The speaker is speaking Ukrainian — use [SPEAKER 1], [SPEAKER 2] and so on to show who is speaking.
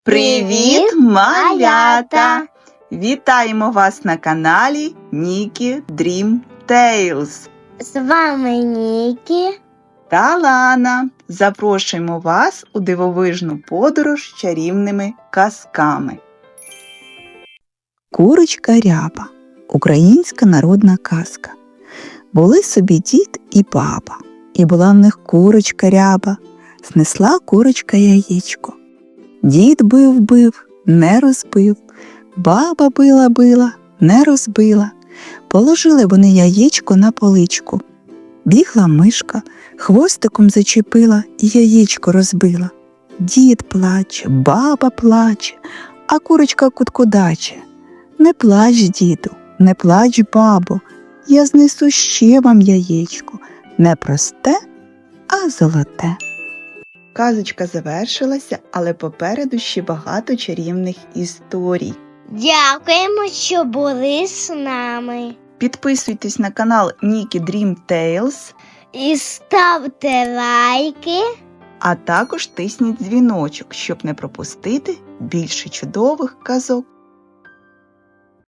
[SPEAKER 1] Привіт, малята! Вітаємо вас на каналі Нікі Дрім Тейлз.
[SPEAKER 2] З вами Нікі
[SPEAKER 1] та Лана. Запрошуємо вас у дивовижну подорож чарівними казками. Курочка Ряба. Українська народна казка. Були собі дід і баба, і була в них курочка Ряба. Снесла курочка яєчко. Дід бив, не розбив, баба била, не розбила. Положили вони яєчко на поличку. Бігла мишка, хвостиком зачепила і яєчко розбила. Дід плаче, баба плаче, а курочка куткудаче. Не плач, діду, не плач, бабо, я знесу ще вам яєчко, не просте, а золоте. Казочка завершилася, але попереду ще багато чарівних історій.
[SPEAKER 2] Дякуємо, що були з нами.
[SPEAKER 1] Підписуйтесь на канал Нікі Дрім Тейлз
[SPEAKER 2] І ставте лайки.
[SPEAKER 1] а також тисніть дзвіночок, щоб не пропустити більше чудових казок.